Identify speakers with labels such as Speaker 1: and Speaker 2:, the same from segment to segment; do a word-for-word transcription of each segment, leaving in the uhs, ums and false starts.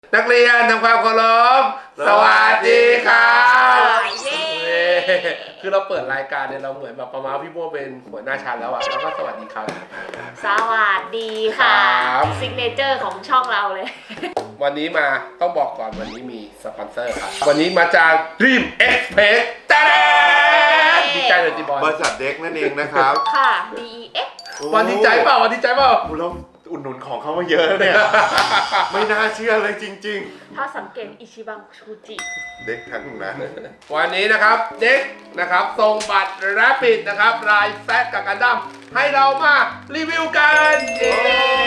Speaker 1: นักเรียนทำความเคารพสวัสดีครับคือเราเปิดรายการเนี่ยเราเหมือนแบบประมาณพี่โบ้เป็นหัวหน้าชั้นแล้วอะแล้วก็สวัสดีครับ
Speaker 2: สวัสดีค่ะซิกเนเจอร์ของช่องเราเลย
Speaker 1: วันนี้มาต้องบอกก่อนวันนี้มีสปอนเซอร์ครับวันนี้มาจาก Dream Express ตาดาดีใจเลยจีบอล
Speaker 3: บริษัทเด็กนั่นเองนะครับ
Speaker 2: ค่ะ ดี อี เอ็กซ์
Speaker 1: วันดีใจเปล่าวันดีใจเปล่า
Speaker 3: เราอุดหนุนของเขามาเยอะเนี่ย ไม่น่าเชื่อเลยจริง
Speaker 2: ๆถ้าสังเกตอิชิบังชูจิ
Speaker 3: เด็กทั้งนั้น
Speaker 1: วันนี้นะครับเด็กนะครับส่งบัตรแรปปิดนะครับลายแซดกับกันดั้มให้เรามารีวิวกันเย้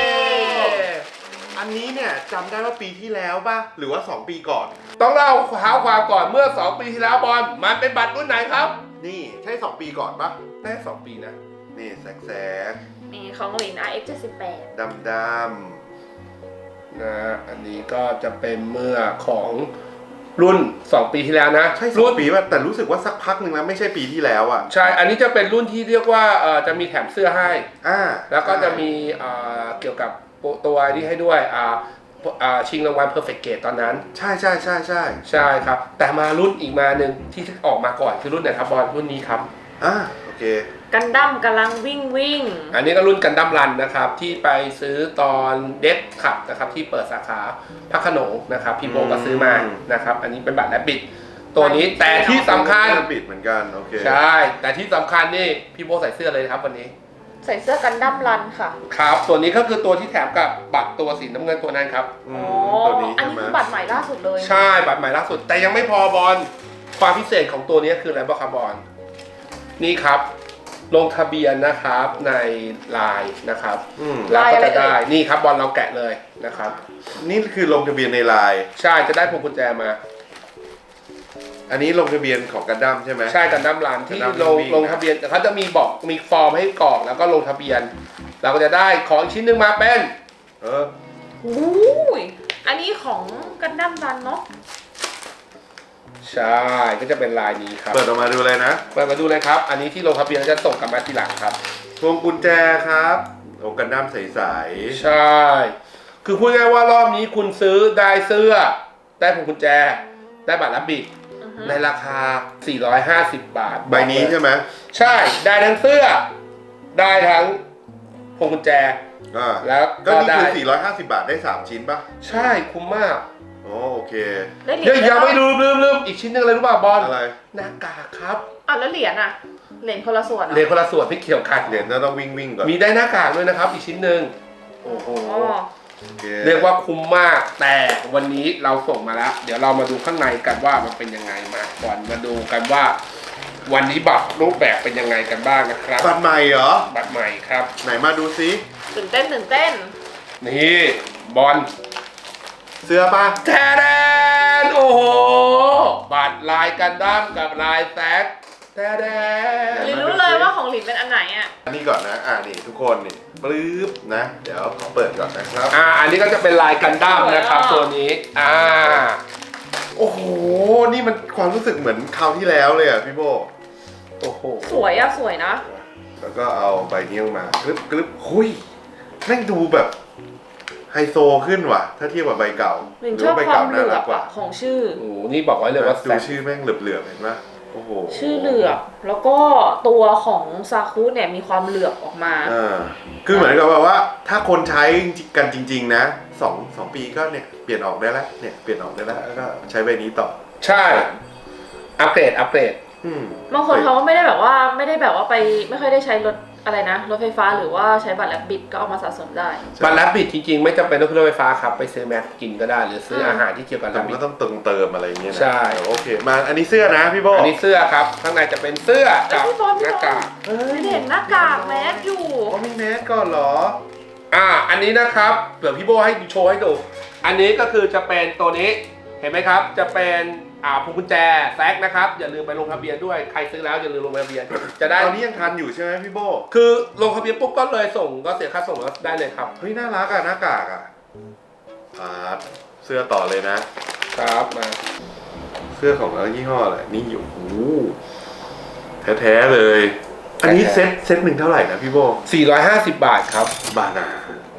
Speaker 3: อันนี้เนี่ยจำได้ว่าปีที่แล้วป่ะหรือว่าสองปีก่อน
Speaker 1: ต้องเล่าเท้าความก่อนเมื่อสองปีที่แล้วบอลมันเป็นบัตรรุ่นไหนครับ
Speaker 3: นี่ใช่สองปีก่อนป่ะ
Speaker 1: ได้สองปีนะ
Speaker 3: นี่แสกแสก
Speaker 2: นี่ของหลิน อาร์ เอ็กซ์ เจ็ดสิบแปด
Speaker 3: ดำดำ
Speaker 1: นะอันนี้ก็จะเป็นเมื่อของรุ่นสองปีที่แล้วนะ
Speaker 3: ใช่สองปีป่ะแต่รู้สึกว่าสักพักหนึ่งแล้วไม่ใช่ปีที่แล้วอ่ะ
Speaker 1: ใช่อันนี้จะเป็นรุ่นที่เรียกว่าเอ่อจะมีแถมเสื้อให้
Speaker 3: อ่า
Speaker 1: แล้วก็จะมีเอ่อเกี่ยวกับตัวที่ให้ด้วยอ่าอ่าชิงรางวัล Perfect Gate ตอนนั้น
Speaker 3: ใช่ใช่ใช่ใช่
Speaker 1: ใช่ครับแต่มารุ่นอีกมาหนึ่งที่ออกมาก่อนคือรุ่นไหนครับบอลรุ่นนี้ครับ
Speaker 3: อ่าโอเค
Speaker 2: กันดั้มกำลังวิ่งวิ่ง
Speaker 1: อันนี้ก็รุ่นกันดั้มรันนะครับที่ไปซื้อตอนเด็กขับนะครับที่เปิดสาขาพระโขนงนะครับพี่โบก็ซื้อมานะครับอันนี้เป็นบัตรแลบบิดตัวนี้แต่ที่สำคัญ
Speaker 3: บิดเหมือนกันโอเค
Speaker 1: ใช่แต่ที่สำคัญนี่พี่โบใส่เสื้อเลยครับวันนี้
Speaker 2: ใส่เสื้อกันดั้มรันค่ะ
Speaker 1: ครับตัวนี้ก็คือตัวที่แถมกับบัตรตัวสีน้ำเงินตัวนั้นครับ
Speaker 2: อ๋อตัวนี้อันนี้คือบัตรใหม่ล่าสุดเลย
Speaker 1: ใช่บัตรใหม่ล่าสุดแต่ยังไม่พอบอลความพิเศษของตัวนี้คืออะไรบ้างครับบอลนี่ครับลงทะเบียนนะครับในไลน์นะครับแล้วก็จะได้นี่ครับบอลเราแกะเลยนะครับ
Speaker 3: นี่คือลงทะเบียนในไลน์
Speaker 1: ใช่จะได้พวงกุญแจมา
Speaker 3: อันนี้ลงทะเบียนของกันดั้มใช่ไหม
Speaker 1: ใช่กันดั้มรันที่ลงลงทะเบียนเขาจะมีบอกมีฟอร์มให้กรอกแล้วก็ลงทะเบียนเราก็จะได้ของชิ้นหนึ่งมาเป็น
Speaker 3: เออ
Speaker 2: โอ้ยอันนี้ของกันดั้มรันเนาะ
Speaker 1: ใช่ก็จะเป็นลายนี้ครับ
Speaker 3: เปิดออกมาดูเลยนะ
Speaker 1: เปิดมาดูเลยครับอันนี้ที่ลงทะเบียนจะส่งกลับมาทีหลังครับ
Speaker 3: พวงกุญแจครับโอ้กันดั้มใส
Speaker 1: ๆใช่คือพูดง่ายว่ารอบนี้คุณซื้อได้เสื้อได้พวงกุญแจได้บัตรรับบิดในราคาสี่ร้อยห้าสิบบาท
Speaker 3: ใบนี้ใช่ไหม
Speaker 1: ใช่ได้ทั้งเสื้อได้ทั้งพวงกุญแจแล้ว
Speaker 3: ก็นี่คือสี่ร้อยห้าสิบบาทได้สามชิ้นป่ะ
Speaker 1: ใช่คุ้มมาก
Speaker 3: โอ้โอเค
Speaker 1: เดี๋ยวยังไม่ลืมลืมลืมอีกชิ้นนึงอะไรรู้ป่ะบอล
Speaker 3: อะไร
Speaker 1: หน้ากากครับ
Speaker 2: อ่ะแล้วเหรียญอ่ะเหรียญคนละส่วน
Speaker 1: เหรียญคนละส่วนพี่เกี่ยวกัน
Speaker 3: เหรียญจะต้องวิ่งวิ่งก่อน
Speaker 1: มีได้หน้ากากด้วยนะครับอีกชิ้นนึงโอ้โหเรียกว่าคุ้มมากแต่วันนี้เราส่งมาแล้วเดี๋ยวเรามาดูข้างในกันว่ามันเป็นยังไงมาก่อนมาดูกันว่าวันนี้บัตรรูปแบบเป็นยังไงกันบ้างนะครับ
Speaker 3: บัตรใหม่เหรอ
Speaker 1: บัตรใหม่ครับ
Speaker 3: ไหนมาดูซิ
Speaker 2: ตื่นเต้นตื่นเต้น
Speaker 1: นี่บอล
Speaker 3: เสื้อป่ะ
Speaker 1: แทนโอ้โหบัตรลายกันดั้มกับลายแซกแทน
Speaker 2: ลินรู้เลยว่าของลินเป็นอันไหนอ่ะ
Speaker 3: อันนี้ก่อนนะอ่านี่ทุกคนนี่ปลื้บนะเดี๋ยวขอเปิดก่อนนะครับ
Speaker 1: อ่าอันนี้ก็จะเป็นลายกันดั้มนะครับตัวนี้อ่า
Speaker 3: โอ้โหนี่มันความรู้สึกเหมือนคราวที่แล้วเลยอ่ะพี่โบ
Speaker 1: โอ้โห
Speaker 2: สวยอ่ะสวยนะ
Speaker 3: แล้วก็เอาใบนี้ออกมากรึบกรึบหุยแม่งดูแบบไฮโซขึ้นว่ะถ้าเทียบกับใบเก่า
Speaker 2: หรือใบเก่าน่ารักกว่าของชื่อ
Speaker 1: โอ้นี่บอกไว้เลยว่า
Speaker 3: ดูชื่อแม่งเหลือบๆเห็นไหมโอ้โห
Speaker 2: ชื่อเหลือบแล้วก็ตัวของซาคุเนี่ยมีความเหลือบออกมา
Speaker 3: อ่าคือเหมือนกับว่าถ้าคนใช้กันจริงๆนะสองสองปีก็เนี่ยเปลี่ยนออกได้แล้วเนี่ยเปลี่ยนออกได้แล้วแล้วก็ใช้ใบนี้ต่อ
Speaker 1: ใช่อัปเกรดอัปเกรด
Speaker 2: บางคนเขาก็ไม่ได้แบบว่าไม่ได้แบบว่าไปไม่ค่อยได้ใช้รถอะไรนะรถไฟฟ้าหรือว่าใช้บัตรแลบบิดก็เอามาสะสมได้
Speaker 1: บัตรแลบบิดจริงๆไม่จำเป็นต้องขึ้นรถไฟฟ้าครับไปซื้อแม็กกินก็ได้หรือซื้ออาหารที่เกี่ยวกับแลบบิด
Speaker 3: ก็ต้องเติมเติมอะไรอย่างเงี้ย
Speaker 1: ใช่
Speaker 3: โอเคมาอันนี้เสื้อนะพี่โบ
Speaker 1: อันนี้เสื้อครับข้างในจะเป็นเสื้อกับหน้ากาก
Speaker 2: เห็นหน้ากากแมสอยู่
Speaker 3: ก็มีแมสก่อนเหรอ
Speaker 1: อ่าอันนี้นะครับเผื่อพี่โบให้โชว์ให้ดูอันนี้ก็คือจะเป็นตัวนี้เห็นไหมครับจะเป็นอ่าพวงกุญแจแซกนะครับอย่าลืมไปลงทะเบียนด้วยใครซื้อแล้วอย่าลืมลงทะเบียนจะได้
Speaker 3: ตอนนี้ยังทันอยู่ใช่ไหมพี่โบ
Speaker 1: คือลงทะเบียนปุ๊บก็เลยส่งก็เสียค่าส่งแล้วได้เลยครับ
Speaker 3: เฮ้ยน่ารักอ่ะหน้ากากอ่ะอ่าเสื้อต่อเลยนะครับ
Speaker 1: มา
Speaker 3: เสื้อของอะไรยี่ห้ออะไรนี่อยู่โอ้แท้ๆเลยอันนี้เซ็ตเซ็ตหนึ่งเท่าไหร่นะพี่โบ
Speaker 1: สี่ร้อยห้าสิบบาทครับ
Speaker 3: บาทนะ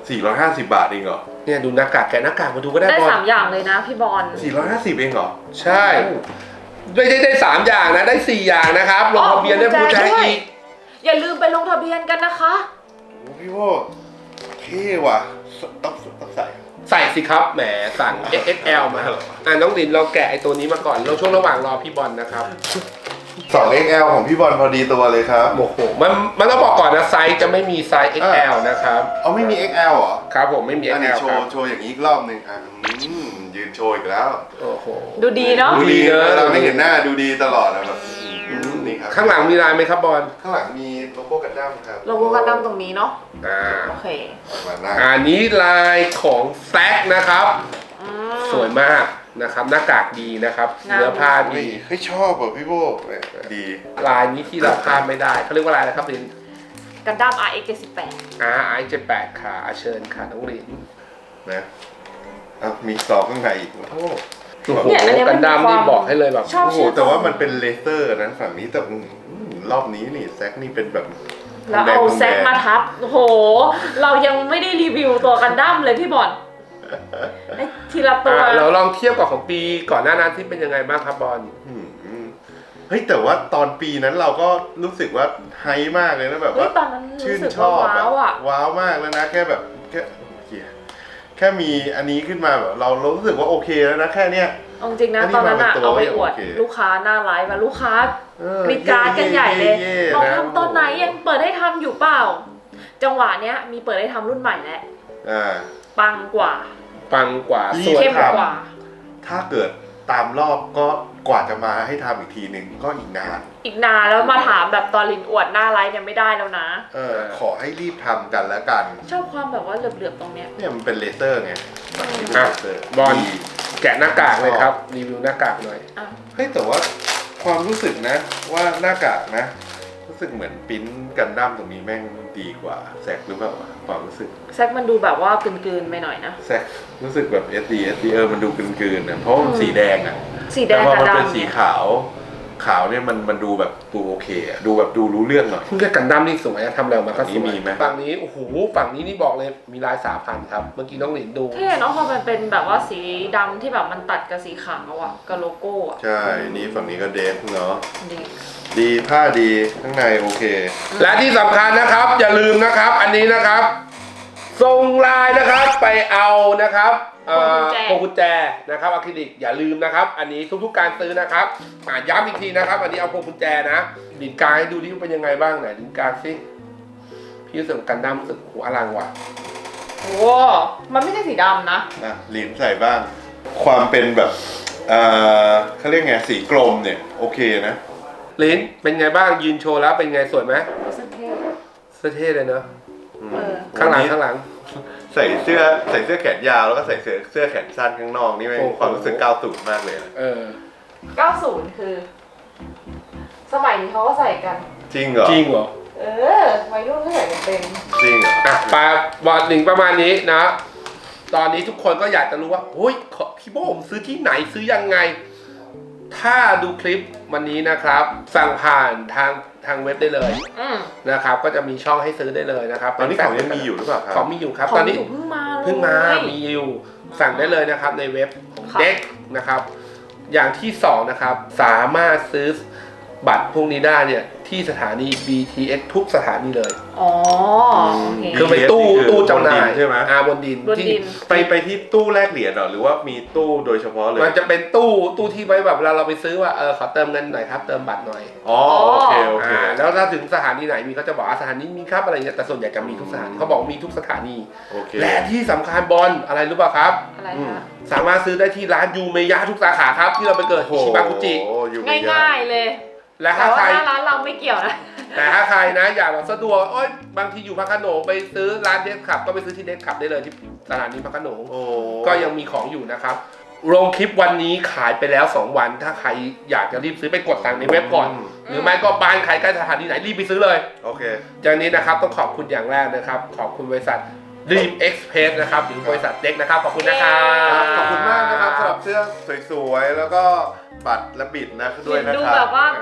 Speaker 3: สี่ร้อยห้าสิบบาทเองเหรอ
Speaker 1: เนี่ยดูหน้ากากแกะหน้ากากมาดูก็ได้
Speaker 2: ได้
Speaker 1: บอล
Speaker 2: สามอย่างเลยนะพี่บอล
Speaker 3: สี่ร้อยห้าสิบเองเหรอ
Speaker 1: ใช่ไม่ได้ได้สามอย่างนะได้สี่อย่างนะครับลงทะเบียนได้ผู้ใจอีก
Speaker 2: อย่าลืมไปลงทะเบียนกันนะคะ
Speaker 3: โอ้พี่โว้เท่ว่ะต้องต้องใส่
Speaker 1: ใส่สิครับแหมสั่ง เอ็กซ์ เอ็กซ์ แอล มาอ่ะน้องลินเราแกะไอตัวนี้มาก่อนเราช่วงระหว่างรอพี่บอลนะครับ
Speaker 3: สอง เอ็กซ์ แอล ของพี่บอลพอดีตัวเลยครับ
Speaker 1: โอ้โหมันมันต้องบอกก่อนนะไซส์จะไม่มีไซส์ เอ็กซ์ แอล นะครับ
Speaker 3: เอาไม่มี เอ็กซ์ แอล เหรอ
Speaker 1: ครับผมไม่มี
Speaker 3: อันนี้
Speaker 1: เอ็กซ์
Speaker 3: โช
Speaker 1: แอล
Speaker 3: ว์โชว์อย่างนี้อีกรอบหนึ่งอ่ะอืมยืนโชว์อีกแล้ว
Speaker 1: โอ้โห
Speaker 2: ดูดีเนาะ
Speaker 3: ดูดี
Speaker 1: ดูดีเนอะ
Speaker 3: เราไม่เห็นหน้าดูดีตลอดนะแบบอืมนี่ครับ
Speaker 1: ข้างหลังมีลายไหมครับบอล
Speaker 3: ข้างหลังมีโลโก้กันดั้มครับ
Speaker 2: โลโก้กันดั้มตรงนี้เนาะ
Speaker 1: อ่า
Speaker 2: โอเค
Speaker 3: มาหน้า
Speaker 1: อันนี้ลายของแซกนะครับ
Speaker 2: อืม
Speaker 1: สวยมากนะครับหน้ากากดีนะครับ
Speaker 2: งาม
Speaker 1: เนื้อผ้า
Speaker 3: เฮ้
Speaker 1: ดี
Speaker 3: ยเฮ้ยชอบอ่ะพี่โบเนี่ยดี
Speaker 1: ลายนี้ที่เราพลาดไม่ได้เขาเรียกว่าลายอะไรครับลิน
Speaker 2: กันดั้ม อาร์ เอ็กซ์ เจ็ดสิบแปด
Speaker 1: อาร์ไอเจ็ดแปดค่ะเชิญค่ะน้องลิน
Speaker 3: นะอ่ะมีซองข้างในอีกโอ้โห
Speaker 1: โอ้โห
Speaker 2: เนี่ยอันเนี้ย
Speaker 1: กั
Speaker 2: มัน น
Speaker 1: ดั้ม
Speaker 2: มีความ
Speaker 1: นี่บอกให้เลยแบบ
Speaker 2: ชอบ
Speaker 3: โอ้โห
Speaker 2: ชื่อ
Speaker 3: แต่ว่ามันเป็นเลเซอร์นะฝั่งนี้แต่อืมรอบนี้นี่แซกนี่เป็นแบบ
Speaker 2: แล้วเอาแซกมาทับ โอ้โห เรายังไม่ได้รีวิวตัวกันดั้มเลยพี่บอลไอ้ทีละตัว
Speaker 1: อ่ะเราลองเทียบกับของปีก่อนหน้านั้นที่เป็นยังไงบ้างครับบอล
Speaker 3: อืมเฮ้ยแต่ว่าตอนปีนั้นเราก็รู้สึกว่าไฮมากเลยนะแบบ
Speaker 2: เฮ้ย
Speaker 3: ว่า
Speaker 2: ตอนนั้น
Speaker 3: ชื่
Speaker 2: รู้
Speaker 3: น
Speaker 2: สึก
Speaker 3: ชอ
Speaker 2: ว่า
Speaker 3: บ
Speaker 2: ว้าวอ่ะ
Speaker 3: ว้าวมากแล้วนะแค่แบบแค่เหี้ยแค่มีอันนี้ขึ้นมาแบบเราเรารู้สึกว่าโอเคแล้วนะแค่เนี้ย
Speaker 2: เอาจริงนะ
Speaker 3: อันนี้
Speaker 2: ตอนนั้นอะ
Speaker 3: มาเป็นตัว
Speaker 2: เอาไปอวด
Speaker 3: โอเค
Speaker 2: ลูกค้าหน้าไลฟ์มาลูกค้า
Speaker 3: เออก
Speaker 2: รีดกราร์ดกันใหญ่เลย
Speaker 3: ย่
Speaker 2: บอก
Speaker 3: นะ
Speaker 2: ทำตอนไหนยังเปิดให้ทำอยู่เปล่า จังหวะเนี้ยมีเปิดให้ทำรุ่นใหม่แล้ว
Speaker 3: อ่า
Speaker 2: ปังกว่า
Speaker 1: ปังกว่า
Speaker 3: รี
Speaker 1: ส
Speaker 3: บ
Speaker 1: วย
Speaker 2: เข้ม
Speaker 1: ครับ
Speaker 2: กว่า
Speaker 3: ถ้าเกิดตามรอบก็กว่าจะมาให้ทำอีกทีหนึ่งก็อีกนาน
Speaker 2: อีกนานแล้วมาถามแบบตอนลินอวดหน้าไลฟ์เนี่ยไม่ได้แล้วนะ
Speaker 3: เออขอให้รีบทำกันแล้วกัน
Speaker 2: ชอบความแบบว่าเหลือบๆตรงเนี้ย
Speaker 3: เนี่ยมันเป็นเลเซอร์ไงฝั่งนี้เป็น
Speaker 1: อ่ะ
Speaker 3: เลเซอร์
Speaker 1: บอล
Speaker 3: ดี
Speaker 1: แกะหน้ากากเลยครับรีวิวหน้ากากหน่อย
Speaker 2: อ่ะ
Speaker 3: เฮ้ยแต่ว่าความรู้สึกนะว่าหน้ากากนะ รู้สึกเหมือนปริ้นกันดั้มตรงนี้แม่งดีกว่าแซกหรือเปล่าวะความรู้สึก
Speaker 2: แซกมันดูแบบว่ากลืนๆไปหน่อยนะ
Speaker 3: แซกรู้สึกแบบ เอส ดี เอส ดี เออมันดูกลืนๆนะเพราะมันสีแดงอ่ะ
Speaker 2: สีแด
Speaker 3: แต่
Speaker 2: ง
Speaker 3: พอ
Speaker 2: กับ
Speaker 3: มันเป็น
Speaker 2: ดำ
Speaker 3: สี
Speaker 2: เนี่ย
Speaker 3: ขาวขาวเนี่ยมันมันดูแบบดูโอเคอะดูแบบดูรู้เรื่องหน่อย
Speaker 1: เพิ่งจะกันดั้มนี่สวยอะทำอะไรออกมาก็ส
Speaker 3: ฝั่งนี้
Speaker 1: วย
Speaker 3: มีไหม
Speaker 1: ฝั่งนี้โอ้โหฝั่งนี้นี่บอกเลยมีลายสามพันครับเมื่อกี้น้องหลินดู
Speaker 2: เท่เนาะพอมันเป็นแบบว่าสีดำที่แบบมันตัดกับสีขาวอะกับโลโก้อะ
Speaker 3: ใช่นี่ฝั่งนี้ก็เดฟเนาะ
Speaker 2: ดี
Speaker 3: ดีผ้าดีข้างในโอเค
Speaker 1: และที่สำคัญนะครับอย่าลืมนะครับอันนี้นะครับส่งไลน์นะครับไปเอานะครับเอ่อพวงกุญแจนะครับอะคริลิกอย่าลืมนะครับ อันนี้ทุกๆการซื้อนะครับอ่ะย้ำอีกทีนะครับ อันนี้เอาพวงกุญแจนะดินกลางให้ดูดิว่าเป็นยังไงบ้างไหนดินกลางสิพี่รู้สึกกันดั้มรู้สึกหัวอลังว่ะ
Speaker 2: โอ้มันไม่ใช่สีดำนะ
Speaker 3: อ่ะหลินใส่บ้าง ความเป็นแบบเอ่อเขาเรียกไงสีกลมเนี่ยโอเคนะ
Speaker 1: ลินเป็นไงบ้างยืนโชว์แล้วเป็นไงสวยไหม
Speaker 2: เสื้อเท่
Speaker 1: เสื้อเท่เลยเนอะ
Speaker 2: เออ
Speaker 1: ข้างหลัง
Speaker 3: วันนี้
Speaker 1: ข้างหลัง
Speaker 3: ใส่เสื้อใส่เสื้อแขนยาวแล้วก็ใส่เสื้อเสื้อแขนสั้นข้างนอกนี่แม่ง
Speaker 1: โอ้โห
Speaker 3: ความรู้สึกเก้าสิบมากเลยนะ
Speaker 1: เออ
Speaker 2: เก้าสิบคือ สมัยนี้เขาก็ใส่กัน
Speaker 3: จริงเหรอ
Speaker 1: จริงเหรอ
Speaker 2: เออวัยรุ่นก็ใส่กันเป็น
Speaker 3: จริงเหรอ
Speaker 1: อ่ะปลาบอลหนึ่งประมาณนี้นะ ตอนนี้ทุกคนก็อยากจะรู้ว่าเฮ้ยขอพี่โบผมซื้อที่ไหนซื้อยังไง ถ้าดูคลิปวันนี้นะครับ สั่งผ่านทางทางเว็บได้เลย
Speaker 2: อืม
Speaker 1: นะครับ ก็จะมีช่องให้ซื้อได้เลยนะครับ
Speaker 3: ตอนนี้ของยังมีอยู่หรือเปล่าครั
Speaker 1: ของมีอยู่ครับ
Speaker 2: ของ
Speaker 1: ตอนนี้
Speaker 2: อยู่เพิ่งมาเลย
Speaker 1: เพิ่งมามีอยู่สั่งได้เลยนะครับในเว็บของ
Speaker 2: ค่ะ
Speaker 1: เด็กนะครับ อย่างที่สองนะครับ สามารถซื้อบัตรพวกนี้ได้เนี่ยที่สถานี บี ที เอส ทุกสถานีเลย
Speaker 2: อ๋อโอเค
Speaker 1: คือเป็นตู้
Speaker 3: นี่คือ
Speaker 1: ตู้จำหน่าย
Speaker 3: บนดินใช่ไหม
Speaker 1: อ่าบนดิน
Speaker 2: บน
Speaker 1: ที่
Speaker 2: ดิน
Speaker 3: ไปไปที่ตู้แลกเหรียญเหรอหรือว่ามีตู้โดยเฉพาะเลย
Speaker 1: มันจะเป็นตู้ตู้ที่ไว้แบบเวลาเราไปซื้อว่าเออขอเติมเงินหน่อยครับเติมบัตรหน่อย
Speaker 3: อ๋อโอเคโอเค
Speaker 1: อ่าแล้วถ้าถึงสถานีไหนมีเขาจะบอกว่าสถานีมีครับอะไรเงี้ยแต่ส่วนใหญ่จะมีทุกสถานีเขาบอกมีทุกสถานี
Speaker 3: โอเค
Speaker 1: และที่สำคัญบอลอะไรรู้ป่ะครับ
Speaker 2: อะไร
Speaker 3: อืม
Speaker 2: นะ
Speaker 1: สามารถซื้อได้ที่ร้านยูเมยะทุกสาขาครับที่เราไปเกิด
Speaker 3: โอ้
Speaker 1: ชิบากุจิ
Speaker 3: โหอยู่ไม่
Speaker 2: ง่ายๆเลย
Speaker 1: และ
Speaker 2: แต่
Speaker 1: ถ้า
Speaker 2: ว่า
Speaker 1: ใคร
Speaker 2: หน้าร้านเราไม่เกี่ยวนะ
Speaker 1: แต่ถ้าใครนะอยากแบบสะดวกโอ๊ยบางทีอยู่พระโขนงไปซื้อร้านเดสขับก็ไปซื้อที่เดสขับได้เลยที่สถานีพระโขนง
Speaker 3: โอ้
Speaker 1: ก็ยังมีของอยู่นะครับลงคลิปวันนี้ขายไปแล้วสองวัน ถ้าใครอยากจะรีบซื้อไปกดสั่งในเว็บก่อน หรือไม่ก็บ้านใครใกล้สถานีไหนรีบไปซื้อเลย
Speaker 3: โอเค
Speaker 1: จากนี้นะครับต้องขอบคุณอย่างแรกนะครับ ขอบคุณบริษัท Dream Express นะครับหรือบริษัทเด็กนะครับขอบคุณนะครับ
Speaker 3: ขอบคุณมากนะครับสำหรับเสื้อสวยๆแล้วก็บัตรและบิดนะด้วยนะ
Speaker 2: ดู
Speaker 3: ครั
Speaker 2: แบบ บว่า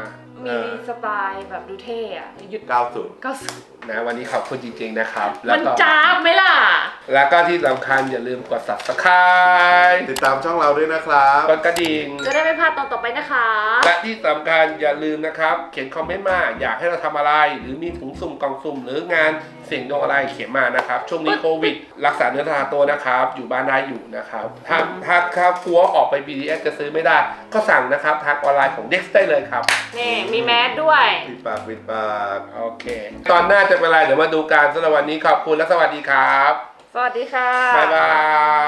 Speaker 2: มีสไตล์แบบดูเท่อะหยุด
Speaker 3: เก้าสิบ
Speaker 2: ก็สุด
Speaker 1: นะวันนี้ขอบคุณจริงๆนะครับแล้
Speaker 2: มั
Speaker 1: วน ก็
Speaker 2: จ้าบไหมล่ะ
Speaker 1: แล้วก็ที่สำคัญอย่าลืมกด ซับสไครบ์
Speaker 3: ติดตามช่องเราด้วยนะครับ
Speaker 1: กดกระดิ่ง
Speaker 2: จะได้ไม่พลาดตอนต่อไปนะคะ
Speaker 1: และที่สำคัญอย่าลืมนะครับเขียนคอมเมนต์มาอยากให้เราทำอะไร หรือมีถุงสุ่มกล่องสุ่มหรืองานเสี่ยงดวงอะไรเขียนมานะครับช่วงนี้โควิด รักษาเนื้อทาตัวนะครับอยู่บ้านได้อยู่นะครับถ้าถ้าถ้ากลัวออกไป บี ดี เอส จะซื้อไม่ได้ ก็สั่งนะครับทางออนไลน์ของ เด็กซ์ ได้เลยครับ
Speaker 2: นี่มีแมสด้วย
Speaker 3: ปิดปากปิดปาก
Speaker 1: โอเค ตอนหน้าจะเป็นอะไรเดี๋ยวมาดูกันสำหรับวันนี้ขอบคุณและสวัสดีครับ
Speaker 2: สวัสดีค่ะ
Speaker 1: บ๊ายบาย